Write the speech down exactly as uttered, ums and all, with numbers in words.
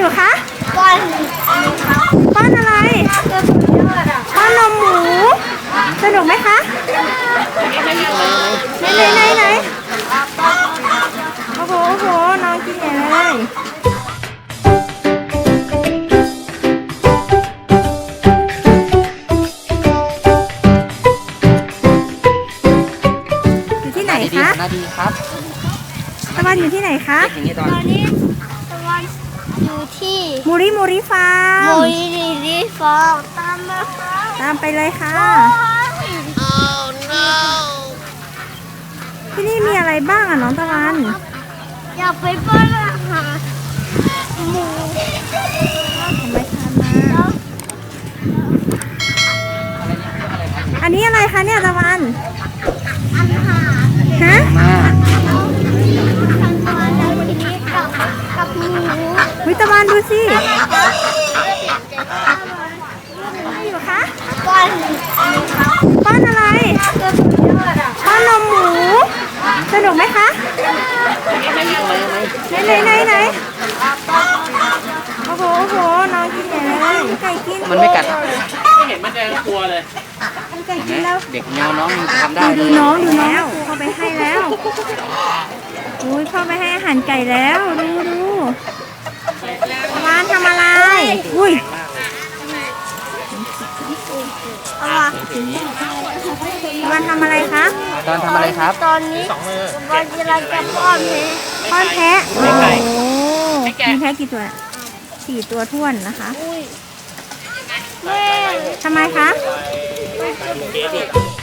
อยู่คะป้อนป้อนอะไรป้อนนมหมูสนุกไหมคะไหนไหนไหนไหนโอ้โหโอ้โหน้องกินใหญ่เลยอยู่ที่ไหนคะนาดีครับตะวันอยู่ที่ไหนคะตอนนี้ตะวันอยู่ที่มูริมูริฟาร์มโมยดีดีฟองตามมาค่ะตามไปเลยค่ะที่นี่มีอะไรบ้างอ่ะน้องตะวันอยากไปป้อนอาหารหมูทำไมทานมาอันนี้อะไรคะเนี่ยตะวันอาหารฮะมากับหมูวิตะวันดูสิอยู่คะป้อนป้อนอะไรป้อนนมหมูสนุกไหมคะไหนไหนไหนไหนโอ้โหโอ้โหน้องกินใหญ่เลยไก่กินมันไม่กัดไม่เห็นมันจะกลัวเลยไก่กินแล้วเด็กแนวน้องทำได้ดูน้องดูน้องเข้าไปให้แล้วอุ้ยเข้าไปให้อาหารไก่แล้วดูดูวานทำอะไรอุ้ยวานทำอะไรคะตอนทำอะไรครับตอนนี้วันกำลังจะป้อนแพะป้อนแพะโอ้มีแพะกี่ตัวสี่ตัวท้วนนะคะแม่ทำไมคะ